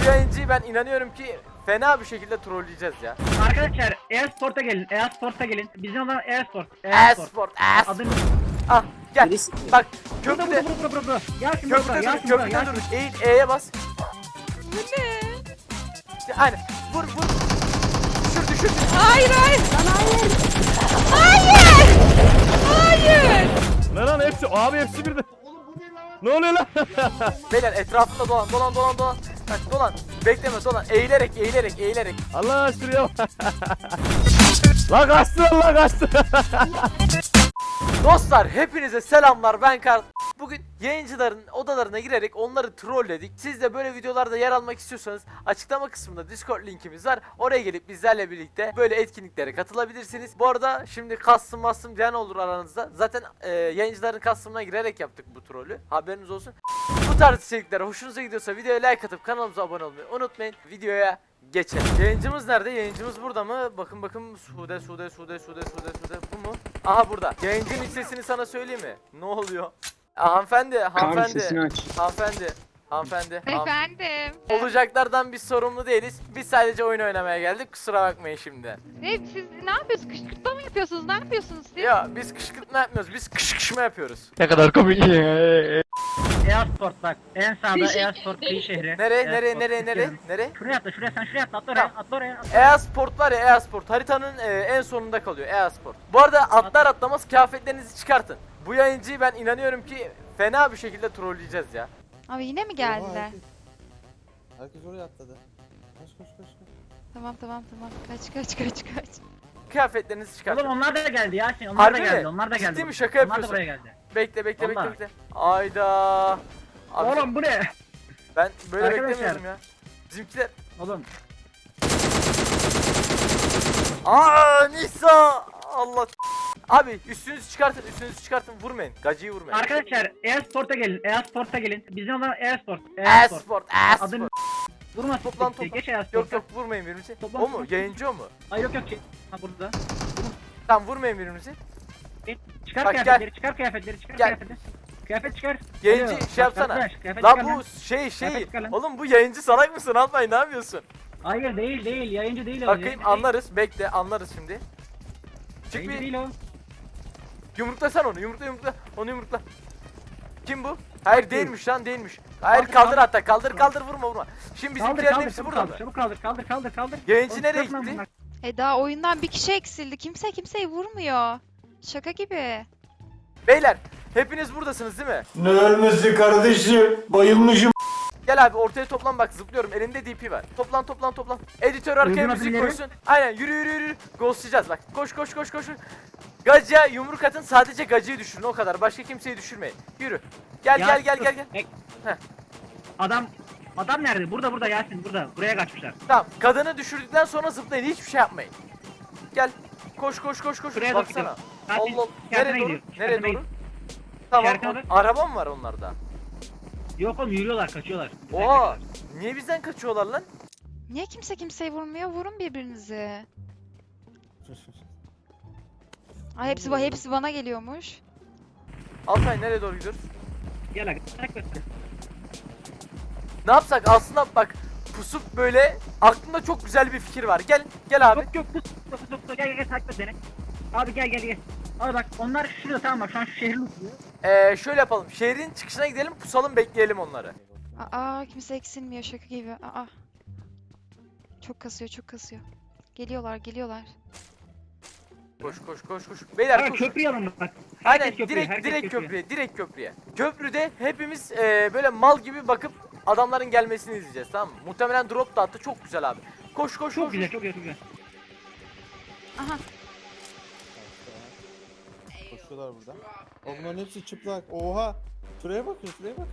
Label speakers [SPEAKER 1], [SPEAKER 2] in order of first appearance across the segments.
[SPEAKER 1] Bu yayıncıyı ben inanıyorum ki fena bir şekilde trolleyeceğiz ya.
[SPEAKER 2] Arkadaşlar e-sport'a gelin. E-sport'a gelin. Bizim olan e-sport.
[SPEAKER 1] E-sport.
[SPEAKER 2] Adını
[SPEAKER 1] Ah gel.
[SPEAKER 3] Birisi mi?
[SPEAKER 1] Bak
[SPEAKER 2] Burada
[SPEAKER 1] köprüde.
[SPEAKER 2] burada. Gel şimdi buraya.
[SPEAKER 1] Köprüde
[SPEAKER 2] Gel
[SPEAKER 1] dur.
[SPEAKER 2] şimdi buraya.
[SPEAKER 1] Köprüde
[SPEAKER 2] Gel
[SPEAKER 1] dur.
[SPEAKER 2] şimdi.
[SPEAKER 1] Eğil E'ye bas.
[SPEAKER 4] Bu ne?
[SPEAKER 1] Aynen. Vur. Düşür.
[SPEAKER 4] Hayır. Hayır.
[SPEAKER 5] Lan hepsi abi hepsi birden. Ne oluyor lan?
[SPEAKER 1] Beyler etrafında dolan. Bak dolan. Bekleme dolan. Eğilerek.
[SPEAKER 5] Allah şuraya bak. Lan kaçtı.
[SPEAKER 1] Dostlar hepinize selamlar, ben Karl. Bugün yayıncıların odalarına girerek onları trolledik. Siz de böyle videolarda yer almak istiyorsanız açıklama kısmında Discord linkimiz var. Oraya gelip bizlerle birlikte böyle etkinliklere katılabilirsiniz. Bu arada şimdi kastım diyen olur aranızda. Zaten yayıncıların kastımına girerek yaptık bu trolü. Haberiniz olsun. Bu tarz içerikler hoşunuza gidiyorsa videoya like atıp kanalımıza abone olmayı unutmayın. Videoya geçelim. Yayıncımız nerede? Yayıncımız burada mı? Bakın. Sude. Bu mu? Aha burada. Yayıncının sesini sana söyleyeyim mi? Ne oluyor? Hanımefendi.
[SPEAKER 4] Efendim.
[SPEAKER 1] Olacaklardan biz sorumlu değiliz. Biz sadece oyun oynamaya geldik. Kusura bakmayın şimdi.
[SPEAKER 4] Siz ne yapıyorsunuz? Kışkırtma mı yapıyorsunuz? Ne yapıyorsunuz siz?
[SPEAKER 1] Ya biz kışkırtma yapmıyoruz. Biz kışkırtma yapıyoruz.
[SPEAKER 5] Ne kadar komik.
[SPEAKER 2] E-sport bak. En sağda e-sport kıyı şehri.
[SPEAKER 1] Nereye?
[SPEAKER 2] Şuraya atla. Sen şuraya atla. Atla oraya.
[SPEAKER 1] E-sport var ya, e-sport haritanın en sonunda kalıyor e-sport. Bu arada atlamaz kıyafetlerinizi çıkartın. Bu yayıncıyı ben inanıyorum ki fena bir şekilde trolleyeceğiz ya.
[SPEAKER 4] Abi yine mi geldiler?
[SPEAKER 3] Herkes oraya atladı. Koş.
[SPEAKER 4] Tamam. Kaç.
[SPEAKER 1] Kıyafetlerinizi çıkartın.
[SPEAKER 2] Oğlum onlar da geldi Yasin.
[SPEAKER 1] Harbi mi?
[SPEAKER 2] Onlar da geldi.
[SPEAKER 1] Ciddi mi? Şaka
[SPEAKER 2] Onlar da
[SPEAKER 1] yapıyorsun.
[SPEAKER 2] buraya geldi.
[SPEAKER 1] Bekle.
[SPEAKER 2] Vallahi.
[SPEAKER 1] Ayda. Abi,
[SPEAKER 2] Oğlum bu ne?
[SPEAKER 1] ben böyle
[SPEAKER 2] Arkadaşlar.
[SPEAKER 1] beklemiyordum ya. Bizimkiler.
[SPEAKER 2] Oğlum.
[SPEAKER 1] Nisa. Allah. Abi üstünüzü çıkartın. Vurmayın. Gacıyı vurmayın.
[SPEAKER 2] Arkadaşlar e-sport'a gelin. Bizim olan e-sport.
[SPEAKER 1] E-sport.
[SPEAKER 2] Adını vurma
[SPEAKER 1] Toplan.
[SPEAKER 2] Geç e-sport'a.
[SPEAKER 1] Yok vurmayın birbirinizi.
[SPEAKER 2] Toplan.
[SPEAKER 1] O mu? Yayıncı o mu?
[SPEAKER 2] Ay yok. Ha burada.
[SPEAKER 1] Tamam vurmayın birbirinizi.
[SPEAKER 2] Çıkar
[SPEAKER 1] Bak,
[SPEAKER 2] kıyafetleri, çıkar kıyafetleri.
[SPEAKER 1] Gel.
[SPEAKER 2] Kıyafet çıkar.
[SPEAKER 1] Yayıncı
[SPEAKER 2] Alo,
[SPEAKER 1] şey yapsana.
[SPEAKER 2] arkadaş, kıyafet
[SPEAKER 1] Lan
[SPEAKER 2] çıkar
[SPEAKER 1] bu şey.
[SPEAKER 2] Kıyafet çıkar lan.
[SPEAKER 1] Oğlum bu yayıncı salak mısın? Alpay ne yapıyorsun?
[SPEAKER 2] Hayır değil. Yayıncı değil o.
[SPEAKER 1] Bakayım
[SPEAKER 2] yayıncı değil.
[SPEAKER 1] anlarız. Bekle anlarız şimdi. Çık
[SPEAKER 2] Yayıncı
[SPEAKER 1] bir
[SPEAKER 2] değil o.
[SPEAKER 1] yumrukla sen onu. Onu yumrukla. Kim bu? Hayır değilmiş lan değilmiş. Hayır
[SPEAKER 2] Kaldır,
[SPEAKER 1] kaldır
[SPEAKER 2] kaldır.
[SPEAKER 1] hatta. Kaldır vurma. Şimdi bizimkilerin hepsi
[SPEAKER 2] Çabuk
[SPEAKER 1] burada mı?
[SPEAKER 2] Çabuk kaldır.
[SPEAKER 1] Yayıncı
[SPEAKER 2] Oğlum,
[SPEAKER 1] nereye
[SPEAKER 2] çıkartma
[SPEAKER 1] gitti?
[SPEAKER 2] bunlar.
[SPEAKER 4] Daha oyundan bir kişi eksildi. Kimse kimseyi vurmuyor. Şaka gibi.
[SPEAKER 1] Beyler hepiniz buradasınız değil mi?
[SPEAKER 6] Ne ölmesi kardeşim? Bayılmışım.
[SPEAKER 1] Gel abi ortaya toplan bak zıplıyorum. Elimde DP var. Toplan. Editör arkaya
[SPEAKER 2] Uygun
[SPEAKER 1] müzik
[SPEAKER 2] abileri.
[SPEAKER 1] koysun. Aynen yürü. Ghostlayacağız bak. Koş. Gacıya yumruk atın, sadece gacıyı düşürün o kadar. Başka kimseyi düşürmeyin. Yürü. Gel.
[SPEAKER 2] Dur.
[SPEAKER 1] Heh.
[SPEAKER 2] Adam nerede? Burada Yasin burada. Buraya kaçmışlar.
[SPEAKER 1] Tamam. Kadını düşürdükten sonra zıplayın. Hiçbir şey yapmayın. Gel. Koş.
[SPEAKER 2] Şuraya doğru
[SPEAKER 1] Baksana.
[SPEAKER 2] gidiyor. Yasin,
[SPEAKER 1] Allah.
[SPEAKER 2] işaretine
[SPEAKER 1] Nereye doğru?
[SPEAKER 2] gidiyor.
[SPEAKER 1] Nereye
[SPEAKER 2] İşaretine
[SPEAKER 1] doğru?
[SPEAKER 2] gidiyor.
[SPEAKER 1] Tamam.
[SPEAKER 2] İşaretine bak.
[SPEAKER 1] Araba mı var onlarda?
[SPEAKER 2] Yok oğlum yürüyorlar, kaçıyorlar.
[SPEAKER 1] Oha. Niye bizden kaçıyorlar lan?
[SPEAKER 4] Niye kimse kimseyi vurmuyor? Vurun birbirinizi. Ay hepsi bana geliyormuş.
[SPEAKER 1] Alpay nereye doğru gidiyoruz?
[SPEAKER 2] Gel aga. Takip et.
[SPEAKER 1] Ne yapsak? Aslında bak pusup böyle aklımda çok güzel bir fikir var. Gel abi.
[SPEAKER 2] Yok pus. Gel takip et beni. Abi gel. Abi bak onlar şurada tamam bak şu an şu şehrin uçuyor.
[SPEAKER 1] Şöyle yapalım. Şehrin çıkışına gidelim, pusalım, bekleyelim onları.
[SPEAKER 4] Kimse eksilmiyor şaka gibi. Çok kasıyor. Geliyorlar.
[SPEAKER 1] Koş. Beyler
[SPEAKER 2] Abi
[SPEAKER 1] koş.
[SPEAKER 2] köprüye alın bak.
[SPEAKER 1] Aynen
[SPEAKER 2] Herkes köprüye, herkes
[SPEAKER 1] direkt köprüye. Köprüde hepimiz böyle mal gibi bakıp adamların gelmesini izleyeceğiz, tamam mı? Muhtemelen drop da attı, çok güzel abi. Koş.
[SPEAKER 2] Çok güzel.
[SPEAKER 4] Aha.
[SPEAKER 3] Koşuyorlar burada. Onların hepsi çıplak. Oha. Şuraya bakın.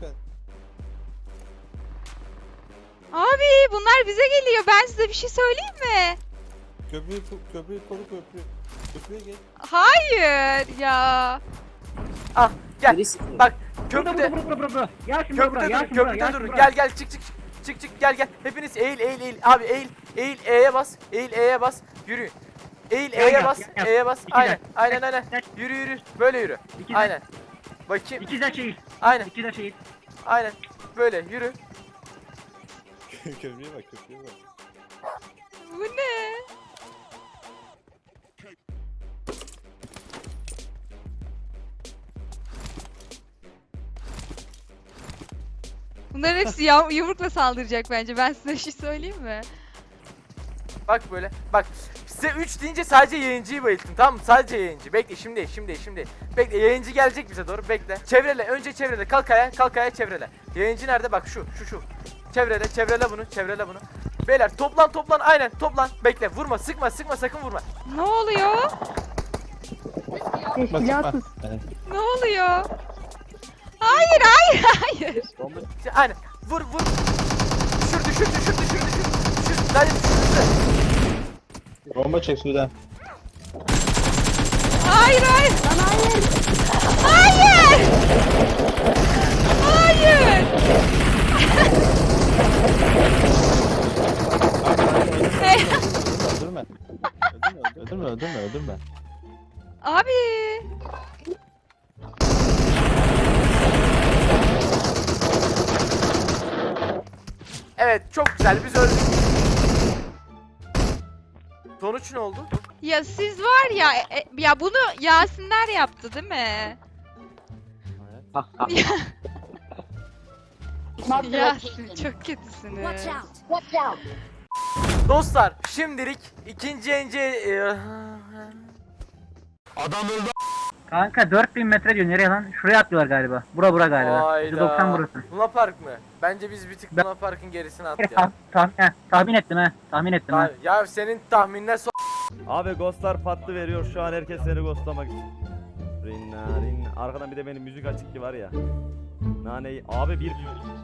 [SPEAKER 4] Abi bunlar bize geliyor. Ben size bir şey söyleyeyim mi?
[SPEAKER 3] Köprüyü koru. Köprüye gel.
[SPEAKER 4] Hayır ya.
[SPEAKER 1] Ah gel.
[SPEAKER 3] Birisi mi?
[SPEAKER 1] Bak köprüde.
[SPEAKER 2] Burada. Yasin
[SPEAKER 1] Köprüde dur. Gel çık gel. Hepiniz eğil. Abi eğil E'ye bas. Yürü. Eğil E'ye bas.
[SPEAKER 2] İki
[SPEAKER 1] Aynen. Yürü. Böyle yürü.
[SPEAKER 2] İki
[SPEAKER 1] Aynen. Bakayım.
[SPEAKER 2] İkizler şehir.
[SPEAKER 1] Aynen.
[SPEAKER 2] İkizler şehir.
[SPEAKER 1] Aynen. Böyle yürü.
[SPEAKER 3] Köprüye bak, köprüye bak.
[SPEAKER 4] Bu ne? Bunların hepsi yumrukla saldıracak bence. Ben size bir şey söyleyeyim mi?
[SPEAKER 1] Bak böyle. Bak size 3 deyince sadece yayıncıyı bayılttım, tamam mı? Sadece yayıncı. Bekle şimdi. Bekle, yayıncı gelecek bize doğru, bekle. Çevrele, önce çevrele, kalk ayağa çevrele. Yayıncı nerede? Bak şu. Çevrele bunu. Beyler toplan, aynen toplan. Bekle, vurma, sıkma, sakın vurma.
[SPEAKER 4] Ne oluyor?
[SPEAKER 3] Silahsız.
[SPEAKER 4] Ne oluyor? Hayır.
[SPEAKER 1] Aynen, vur. Düşür. Dayı düşür.
[SPEAKER 3] Bomba çek sudan.
[SPEAKER 4] Hayır. Hayır.
[SPEAKER 3] Öldürme.
[SPEAKER 4] Abi.
[SPEAKER 1] Evet, çok güzel, biz öldük. Sonuç ne oldu?
[SPEAKER 4] Ya siz var ya ya bunu Yasinler yaptı değil mi? Yasin çok kötüsünüz.
[SPEAKER 1] Dostlar, şimdilik ikinci yayıncı...
[SPEAKER 2] Kanka 4000 metre diyor, nereye lan? Şuraya atlıyorlar galiba. Bura galiba.
[SPEAKER 1] Hayda.
[SPEAKER 2] 90 burası.
[SPEAKER 1] Luna Park mı? Bence biz bir tık
[SPEAKER 2] Ben-
[SPEAKER 1] Luna Park'ın gerisine atlayalım.
[SPEAKER 2] Tahmin ettim ha.
[SPEAKER 1] Abi, ya senin tahminler
[SPEAKER 5] Abi ghostlar patlı veriyor şu an, herkes seni ghostlamak için. Rin. Arkadan bir de benim müzik açık ki var ya. Naneyi abi bir...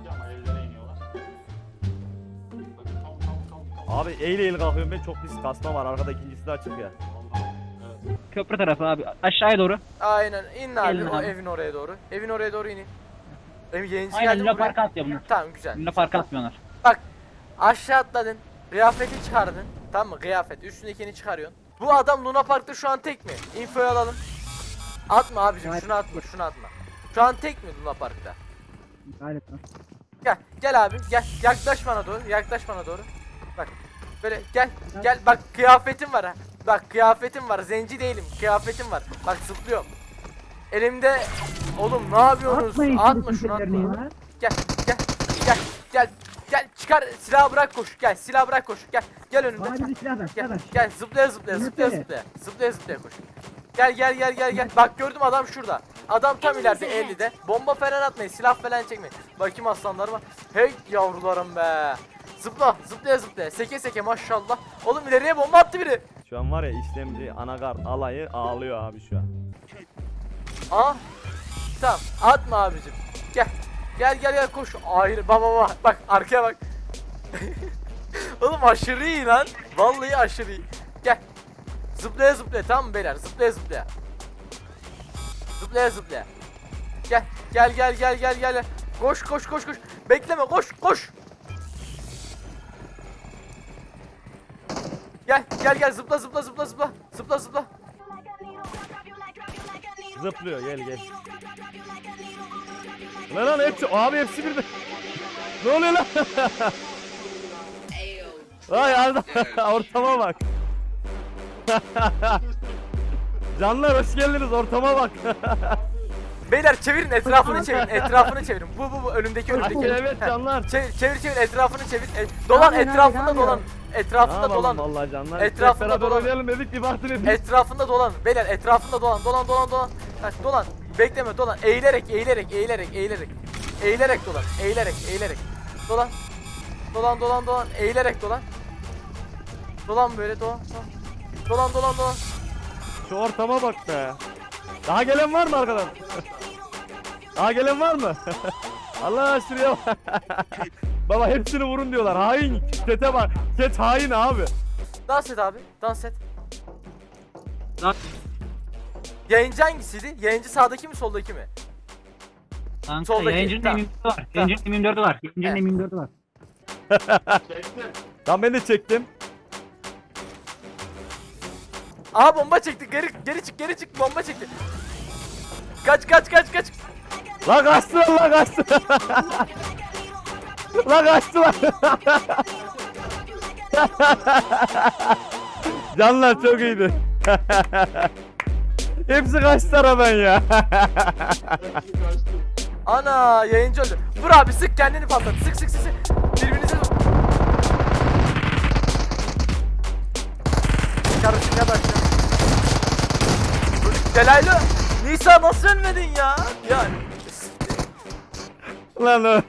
[SPEAKER 5] Abi eğil kalkıyorum ben, çok pis kasma var, arkada ikincisi de açık ya.
[SPEAKER 2] Köprü tarafı abi. Aşağıya doğru.
[SPEAKER 1] Aynen, in abi,
[SPEAKER 2] Gelin
[SPEAKER 1] o
[SPEAKER 2] abi.
[SPEAKER 1] evin oraya doğru. Evin oraya doğru inin. Benim yayıncı
[SPEAKER 2] Aynen
[SPEAKER 1] geldi
[SPEAKER 2] Luna
[SPEAKER 1] buraya.
[SPEAKER 2] Park'a atlıyor bunlar.
[SPEAKER 1] Tamam, güzel.
[SPEAKER 2] Luna Park'a atmıyorlar.
[SPEAKER 1] Bak, aşağı atladın. Kıyafeti çıkardın. Tamam mı? Kıyafet. Üstündekini çıkarıyorsun. Bu adam Luna Park'ta şu an tek mi? Infoyu alalım. Atma abicim, şunu atma. Şu an tek mi Luna Park'ta?
[SPEAKER 2] Galiba.
[SPEAKER 1] Gel abi, gel. Yaklaş bana doğru. Bak. Böyle gel. Bak kıyafetim var ha. Bak kıyafetim var. Zenci değilim. Kıyafetim var. Bak zıplıyorum. Elimde oğlum ne yapıyorsunuz? Atma şunu, atma. Gel. Çıkar silahı, bırak koş. Gel önümde.
[SPEAKER 2] Bana bir silah ver.
[SPEAKER 1] Gel zıplaya koş. Gel. Bak gördüm, adam şurada. Adam tam ileride 50'de. Bomba falan atmayın, silah falan çekmeyin. Bakayım aslanlarıma. Hey yavrularım be. Zıplaya. Seke maşallah. Oğlum ileriye bomba attı biri.
[SPEAKER 5] Şu an var ya, işlemci anakart alayı ağlıyor abi şu an.
[SPEAKER 1] Aa. Tamam, atma abicim. Gel koş. Hayır baba. Bak arkaya bak. Oğlum aşırı iyi lan. Vallahi aşırı iyi. Gel. Zıplaya tamam mı beyler? Zıplaya. Gel. Koş. Bekleme, koş. Gel zıpla.
[SPEAKER 5] Zıplıyor, gel. Lan hepsi, abi hepsi birden. Ne oluyor lan? Vay Arda, ortama bak. Canlar hoş geldiniz, ortama bak.
[SPEAKER 1] Beyler çevirin, etrafını çevirin. Bu önümdeki.
[SPEAKER 5] Evet canlar.
[SPEAKER 1] Çevir etrafını çevir. Dolan, etrafında dolan. Etrafında dolan.
[SPEAKER 5] Vallahi canlar.
[SPEAKER 1] Etrafında
[SPEAKER 5] Hep beraber
[SPEAKER 1] dolan.
[SPEAKER 5] oynayalım dedik, bir baktın edin.
[SPEAKER 1] Etrafında dolan. Beyler etrafında dolan. Bak dolan. Bekleme, dolan. Eğilerek. Dolan. Dolan. Eğilerek dolan. Dolan böyle, dolan.
[SPEAKER 5] Şu ortama bak be. Daha gelen var mı arkadan? Daha gelen var mı? Allah şuraya bak. Baba hepsini vurun diyorlar. Hain. Kete bak. Ket hain abi.
[SPEAKER 1] Dans et abi. Dans et.
[SPEAKER 2] Dans.
[SPEAKER 1] Yayıncı hangisiydi? Yayıncı sağdaki mi, soldaki mi?
[SPEAKER 2] Kanka
[SPEAKER 1] Soldaki,
[SPEAKER 2] yayıncının
[SPEAKER 1] tamam.
[SPEAKER 2] M24'ü var. Yayıncının M24'ü var.
[SPEAKER 1] Evet.
[SPEAKER 2] M24'ü var.
[SPEAKER 5] Tamam, ben de çektim.
[SPEAKER 1] Aha bomba çekti. Geri çık. Bomba çekti. Kaç.
[SPEAKER 5] La kaçtı. Lan kaçtılar. Canlar çok iyiydi. Hepsi kaçtı aradan ya.
[SPEAKER 1] Ana yayıncı öldü. Vur abi sık kendini patlat. Sık sık sık sık. Birbirinize vur. Kardeşim ya da Delaylı. Nisa nasıl ölmedin ya? Ya
[SPEAKER 5] Lan o.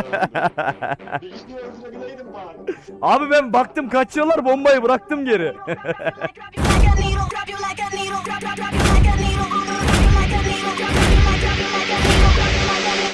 [SPEAKER 5] Abi ben baktım kaçıyorlar, bombayı bıraktım geri.
[SPEAKER 7] Drop you like a needle, drop you like a needle, drop you like a needle.